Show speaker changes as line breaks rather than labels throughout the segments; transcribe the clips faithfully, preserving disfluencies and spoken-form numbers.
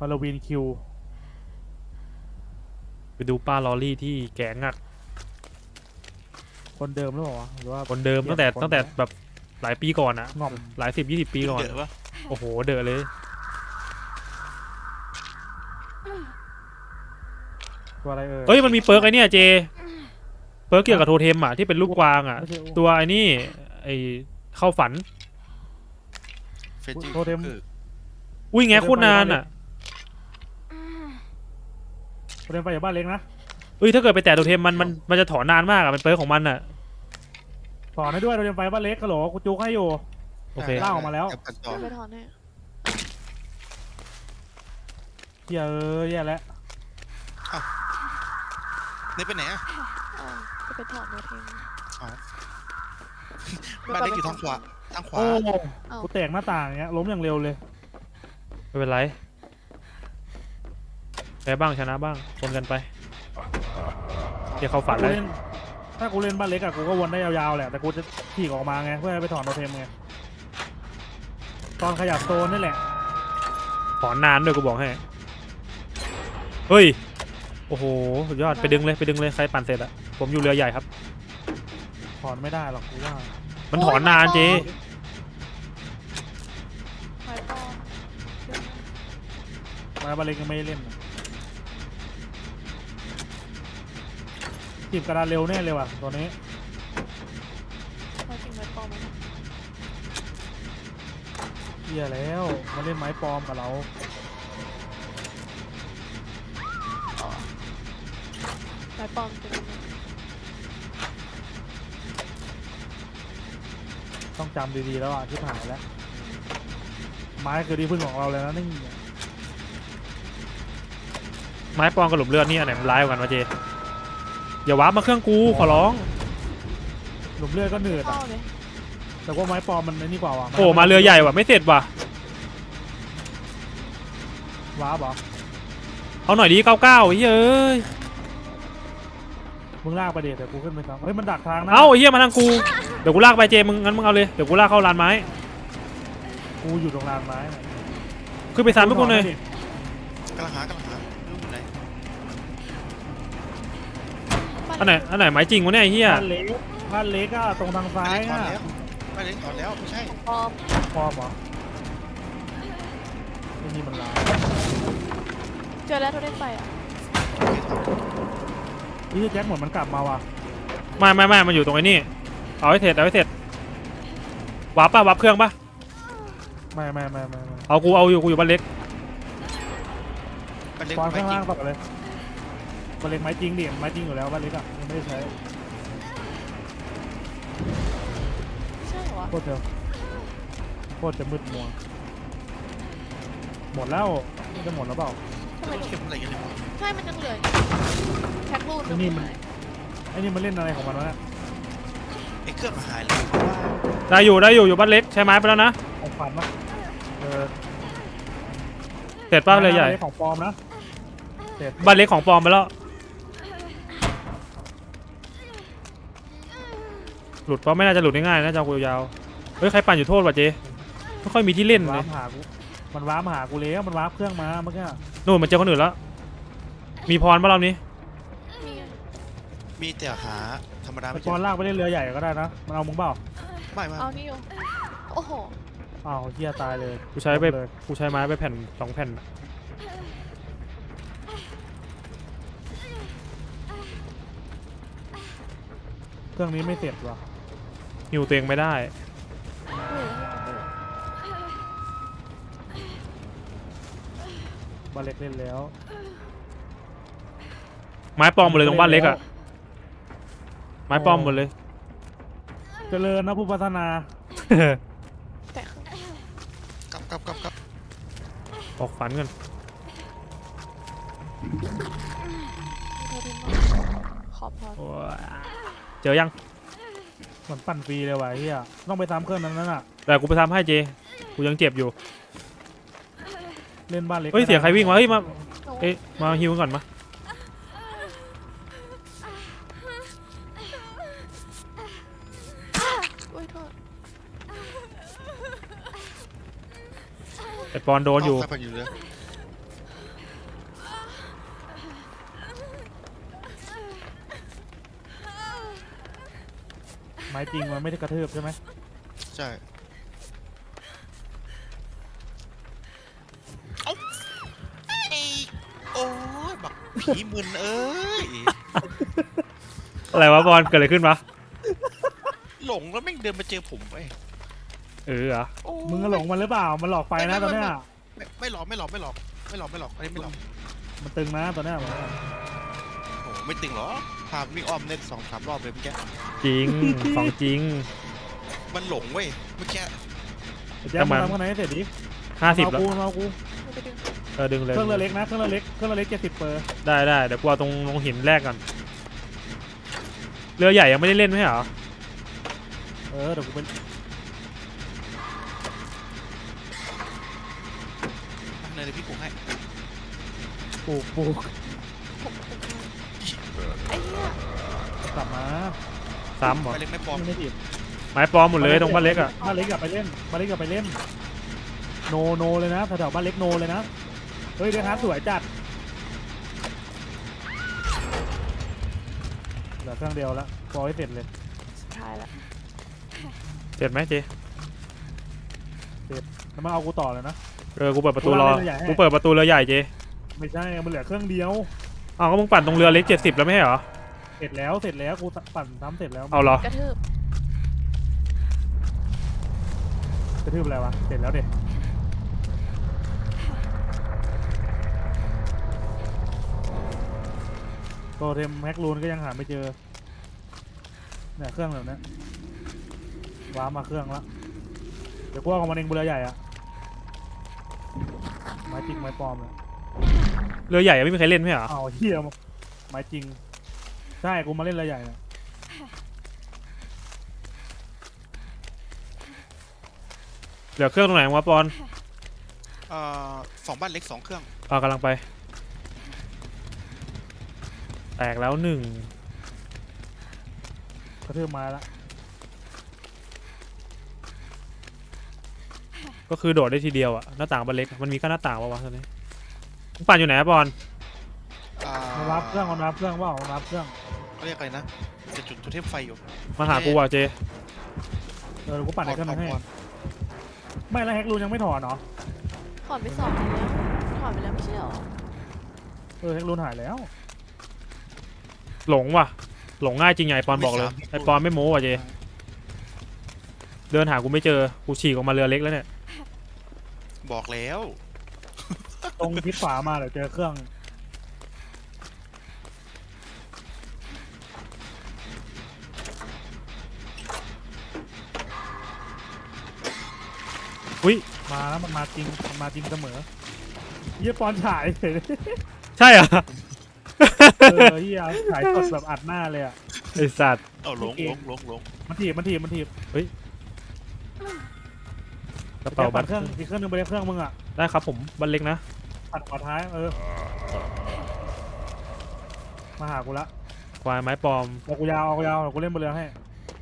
าโลวีนคิว
ไปดูป้าลอรี่ที่แกงัก
คนเดิมหรือเปล่าวะหรือว่า
คนเดิมตั้งแต่ตั้งแต่แบบหลายปีก่อนอะ
ง่อม
หลายสิบยี่สิบปีก่อน
เดือดปะ
โอ้โหเดอะเลย
ตัวอะไรเอ่ย
เอ้ยมันมีเปิร์กไอเนี่ยเจเปิร์กเกี่ยวกับโทเทมอะที่เป็นลูกกวางอะ
ไม่ใช่
ตัวไอ้นี่ไอเข้าฝัน
เฟจิ
โทเทม
คือ
อุ้ยแงโคตรนานอะ
เรียนไปอยู่บ้านเล็กนะ
เอ้ยถ้าเกิดไปแตะโทเทมมันมันมันจะถอนนานมากอะเป็นเปิร์กของมันอะ
สอนให้ด้วยเราเรียนไปบ้านเล็กกะโหลกูจุกให้อยู่
โอเค
ล่าออกมาแล้ว
จับกันต่อ
จะไปถอนให้
เฮียเอ้ยแย่แล้ว
นี่ไปไหนอ่ะ
อ้าวจะไปถอนโนเทม
อ๋อบ้านเล็กอยู่ทางขวาทางขวา
โอ้
อ้าว
กูแตกหน้าต่างอย่างเงี้ยล้มอย่างเร็วเลย
ไม่เป็นไรแพ้บ้างชนะบ้างคนกันไปเดี๋ยวเขาฝัน
ถ้า
เล
กู
ย
เล่นถ้ากูเล่นบ้านเล็กอะกูก็วนได้ยาวๆแหละแต่กูจะขี่ออกมาไงเพื่อให้ไปถอนโทเทมไงตอนขยับโซนนี่แหละ
ถอนนานด้วยกูบอกให้เฮ้ยโอ้โหสุดยอดไปดึงเลยไปดึงเลยใครปั่นเสร็จอะผมอยู่เรือใหญ่ครับ
ถอนไม่ได้หรอกกูว่า
มันถอนนานเจ
ไม้ปอม
มาบ้านเล็กยังไม่ได้เล่นนะจีบกระดานเร็วแน่เลยว่ะตัวนี้
ไม้จริงไม้ปอมไหม
เฮียแล้วมาเล่นไม้ปลอมกับเรา
อ๋อไม้ปอมเป็นยังไง
ต้องจำดีๆแล้วอ่ะที่ผ่านแล้วไม้คือที่พึ่งของเราเลยนะนี่
ไม้ปองกับหลุมเลือดนี่อันไหนมันร้ายกว่ากันวะเจอย่าวาร์ปมาเครื่องกูขอร้อง
หลุมเลือดก็เหนื่อย
เข้าเลย
แต่ว่าไม้ปลอมมันไอ้นี่กว่าว่ะ
โอ้มาเรือใหญ่ว่ะไม่เสร็จว่ะ
ว้าบเหรอ
เอาหน่อยดีเก้าเก้าเฮ้ยเอ้ย
มึงลากไปเดี๋ยวกูขึ้นไปครับเฮ้ยมันดักทางนะ
เอาไอ้เหี้ยมาทางกูเดี๋ยวกูลากไปเจมึงงั้นมึงเอาเลยเดี๋ยวกูลากเข้าลานไม้
กูอยู่ตรงลานไม้น่ะ
ขึ้นไปซ้ำทุกคนเลย
กำลังหากำลังหาไม่รู้อยู่ไหน
อันไหนอันไหนไม้จริงวะเนี่ยไอ้เหี้ย
บ้านเล็กบ้านเล็กอะตรงทางซ้าย
ถอน
อะ
แล้วบ้านเล็กถอนแล้วไม่ใช่
ของปอม
ปลอมเหรอไอ้นี่มันลาย
เจอแล้วโทเทมไฟอ่ะ
นี่แจ็คเหมือนมันกลับมาว่ะ
ไม่ไม่ไม่มันอยู่ตรงไอ้นี่เอาให้เสร็จเอาให้เสร็จวาร์ปป่ะวาร์ปเครื่องป่ะ
ไม่ไม่ไม่ไม่ไม่
เอากูเอาอยู่กูอยู่บ้านเล็ก
บ้านเล็ก
ปอน
ไม่
ข้าง
จริ
ล่าง งต่อกันเลยบ้านเล็กไม้จริงดิไม้จริงอยู่แล้วบ้านเล็กอะยังไม่ได้ใช้
ไม่ใช่เหรอวะ
โคตรจะโคตรจะมืดมัวหมดแล้วนี่จะหมดแล้วเปล่า
ทำไม
เข็มอะไรกันเนี่ยวะ
ใช่มันยังเหลือแท็กรูน
ไอ้นี่มัน ไอ้นี่มันเล่นอะไรของมันวะเนี่ย
ไอ้เครื่องมาหายเลยเพราะว่า
ได้อยู่ได้อยู่อยู่บ้านเล็กใช้ไม้ไปแล้วนะ
ของฝันปะเออ
เสร็จป้าเลยใหญ่
ไม้ของปลอมนะเสร็จ
บ้านเล็กของปลอมไปแล้วหลุดเพราะไม่น่าจะหลุดง่ายๆนะจะเอากูยาวๆเฮ้ยใครปั่นอยู่โทษว่ะเจไม่ค่อยมีที่เล่นเล
ว้าย ร์ปหากูมันว้าร์ปหากูแล้วมันว้าร์ปเครื่องมาเมื่อกี้
นู่นมันเจอคนอื่นแล้วมีพรป่ะรอบนี้
มีไง
มีแต่หาธรรมดา
ไอ้
ไม่เจ
ปอน
อ
ลากไปเล่นเรือใหญ่ก็ได้นะมันเอามึงเปล่า
ไม่ไม่
เอานี่อยู่โอ้โห
อ้าวเฮียตายเลย
กูใช้ไป
เลย
กูใช้ไม้ไปแผ่นสองแผ่น
เครื่องนี้ไม่เสร็จว่ะ
หิวตัวเองไม่ได้
เฮ้ย
บ้านเล็กเล่นแล้ว
ไม้ปลอมหมดเลยตรงบ้านเล็กอะไม้ปลอมหมดเลย
เจริญนะผู้พัฒนา
แต่
กลับกลับกลับกลับ
ออกฝันกัน
โทเทมขอพอ
โอ้ยเจอยัง
เหมือนปั่นฟรีเลยว่ะเฮียต้องไปซ้ำเครื่องนั้นนั่นน่ะ
แต่กูไปทำให้เจกูยังเจ็บอยู่
เล่นบ้านเล็ก
เฮ้ยเสียงใครวิ่งวะเฮ้ยมา
โอ้
เอ๊ะมาฮิวกันก่อนมา
โอ้ยโทษ
ไอปอนโดนอยู่
เาใครปั่นอยู่เลย
ไม้จริงมันไม่ได้กระทืบใช่ไหม
ใช่เอ้าไอ้โอ้ยบักผีมึนเอ้ย
อะไรวะบอลเกิดอะไรขึ้นวะ
หลงแล้วแม่งเดินมาเจอผมเว้ย
เออเหรอ
โอ้
มึงก็หลงมันหรือเปล่ามันหลอกไฟนะตอนเนี้ย
ไม่ไม่หลอกไม่หลอกไม่หลอกไม่หลอกไม่หลอกอันนี้ไม่หลอก
มันตึงนะตอนเนี้ย
โอ้ไม่ตึงหรอพาวิ่งอ้อมเน็ตสองสามรอบเลยเมื่อกี้
จริงของจริง
มันหลงเว้ยเมื่อกี้
แจ๊คมาทำข้างในให้เสร็จดิ
ห้าสิบ
เอา
แล้ว
กูเอากู
มันไปดึง
เออดึงเลย
เครื่องเรือเล็กนะเครื่องเรือเล็กเครื่องเรือเล็กเจ็ดสิบเปอร์
ได้ได้เดี๋ยวกูเอาตรงลงหินแรกก่อนเรือใหญ่ยังไม่ได้เล่นไหมเหรอ
เออเดี๋ยวกูเป็น
เนยเดี๋ยวพี่ปลุกให้
ปลูกปลูก
ผมผมไอ้เนี่ย
กลับมา
ซ้ำเหรอ
ไปเล็กไม่ปลอม
ไม่ได้ผิด
ไม้ปลอมหมดเลยตรงบ้านเล็กอ่ะ
บ้านเล็กกลับไปเล่นบ้านเล็กกลับไปเล่นโนโนเลยนะแถวๆบ้านเล็กโนเลยนะเฮ้ยเดี๋ยวฮาร์ดสวยจัดเหลือเครื่องเดียวแล้วพอให้เสร็จเลย
สุดท้ายละ
เสร็จไหมเจ
แล้วมาเอากูต่อเลยนะ
เออกูเปิดประตูรอ
กูวางเรือใหญ่ให้
กูเปิดประตูเรือใหญ่เจ
ไม่ใช่มันเหลือเครื่องเดียว
อ้าวก็มึงปั่นตรงเรือเล็กเจ็ดสิบแล้วไม่ใช่เหรอ
เสร็จแล้วเสร็จแล้วกูปั่นทำเสร็จแล้ว
เอาเหรอก
ระทืบ
กระทืบอะไรวะเสร็จแล้วเด็กโตเทมแฮกลูนก็ยังหาไม่เจอเนี่ยเครื่องแบบนี้ว้ามาเครื่องละเดี๋ยวกูเอาของมันเองบนเรือใหญ่อะไม้จริงไม้ปลอมเลย
เรือใหญ่ยังไม่มีใครเล่นไม่ใช่เหรอ
เอาเฮียไม้จริงใช่กูมาเล่นเรือใหญ่เนี่ย
เหลือเครื่องตรงไหนวะปอน
เอ่อสองบ้านเล็กสองเครื่อง
อ่ากำลังไปแตกแล้วหนึ่ง
กระทืบไม้ละ
ก็คือโดดได้ทีเดียวอะหน้าต่างบ้านเล็กมันมีแค่หน้าต่างวะวะตอนนี้มึงปั่นอยู่ไหนอะปอน
อ่า
มารับเครื่องมารับเครื่องว่ามารับเครื่อง
เขาเรียกอะไรนะจะจุดโทเทมไฟอยู่
มาหากูว่ะเจ
เออเดี๋ยวกูปั่นในเครื่องนั้นให้
ก่อน
ไม่แล้วแฮกลูนยังไม่ถอนเนาะ
ถอนไปสองแล้วถอนไปแล้วไม่ใช่หรอ
เออแฮกลูนหายแล้ว
หลงว่ะหลงง่ายจริงไงปอนบอกเลยไอปอนไม่โม้ว่ะเจเดินหากูไม่เจอกูฉีกออกมาเรือเล็กแล้วเนี่ย
บอกแล้ว
ตรงทิศขวามาเดี๋ยวเจอเครื่อง
อุ้ย
มาแล้วมันมาจริงมันมาจริงเสมอเยี่ยปอนฉายเลย
ใช่เหรอ
เออเยี่ยฉายสดแบบอัดหน้าเลยอ่ะ
ไอสัตว์
เอาหลงหลงหลงหลง
มันถีบมันถีบมันถีบ
กระ
เป่า
เป๋า
บั
บั
ต
ต
รเครื่องอีกเครื่องนึงไปเลยเครื่องมึงอ่ะ
ได้ครับผมบันเล็กนะ
ปัดขวาท้ายเออมาหากูละ
ควายไม้ปลอม
เอากูยาวเอากูยาวเดี๋ยวกูเล่นบนเรือให้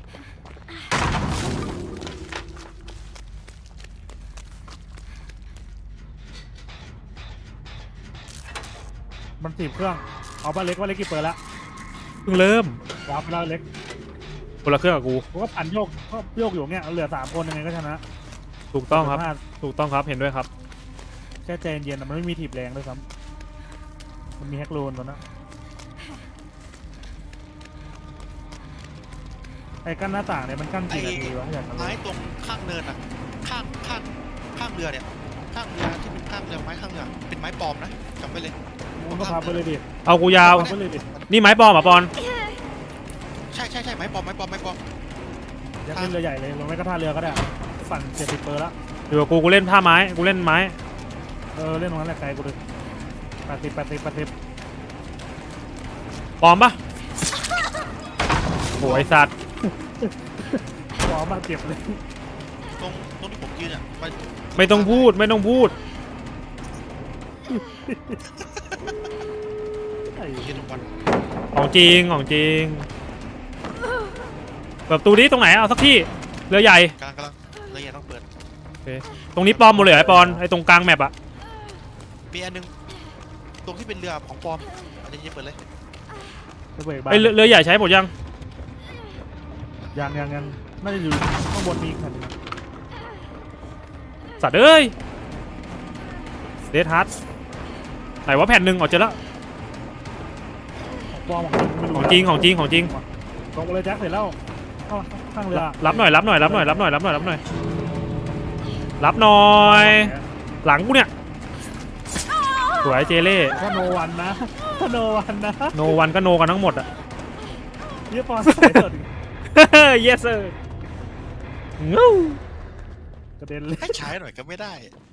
มันถีบเครื่องเอาบ้านเล็กบ้านเล็กกี่เปิดละ
เพิ่งเริ่ม
วาร์ปไปแล้วเล็ก
คนละเครื่องกับกู
กูก็ปั่นโยกก็โยกอยู่เงี้ยเหลือสามคนยังไงก็ชนะ
ถูกต้องครับ
พลาด
ถูกต้องครับเห็นด้วยครับ
แค่ใจเย็นๆนะมันไม่มีถีบแรงด้วยซ้ำมันมีแฮกโลนตัวนั้นไอ้กั้นหน้าต่างเนี่ยมันกั้นกี่นาทีวะอยากรู้
ไม้ตรงข้างเนินอ่ะข้างข้างข้างเรือเนี่ยข้างเรือที่เป็นข้างเรือไม้ข้างเรือเป็นไม้ปลอมนะจำไว้เลย
มึงก็พาไปเลยดิ
เอากูยาว
พาไปเลยดิ
นี่ไม้ปลอมเหรอ่ะปอน
ใช่ใช่ใช่ไม้ปลอมไม้ปลอมไม้ปลอม
อยากเล่นเรือใหญ่เลยลงไม่ก็ท่าเรือก็ได้ปั่นเจ็ดสิบเปอร์ละ
เดี๋ยวกูกูเล่นท่าไม้กูเล่นไม้
เออเล่นตรงนั้นแหละไกลกูเลยแปดสิบแปดสิบแปดสิบ
ปลอมปะโหไอสัตว์
ขอมาเก็บเลย
ตรงตรงที่ผมยืนอ่ะไป
ไม่ต้องพูดไม่ต้องพูด
ไอ้
ยืนตรงวัน
ของจริงของจริงเปิดประตูนี้ตรงไหนเอาสักที่เรือใหญ่
กำลังกำลังเรือใหญ่ต้องเปิด
ตรงนี้ปลอมหมดเลยเหรอไอปอนไอตรงกลางแมปอะ
มีอันนึงตรงที่เป็นเรือของปลอมอันนี้เปิดเลย
จะเบรกบ้า
ไอเรือเรือใหญ่ใช้หมดยัง
ย
ยังยังยังน่าจะอยู่ข้างบนมีอีกแผ่นหนึงนะ
สัตว์เอ้ยเดทฮัทไหนว่าแผ่นหนึ่งออกเจอแล้ว
ปลอมของไม่รู้
ของจริงของจริงของจริง
ตกเลยแจ็คเสร็จแล้วเข้าข้างเรือ
รับหน่อยรับหน่อยรับหน่อยรับหน่อยรับหน่อยรับหน่อยรับหน่อย หลังกูเนี่ยสวยเจเล่
ถ้าโนวันนะถ้าโนวันนะ
โนวันก็โนกันทั้งหมดอะ
เยี่ยปอนใส่เถิด
yes sir งู
กระเด็นเลย
ให้ใช้หน่อยก็ไม่ได้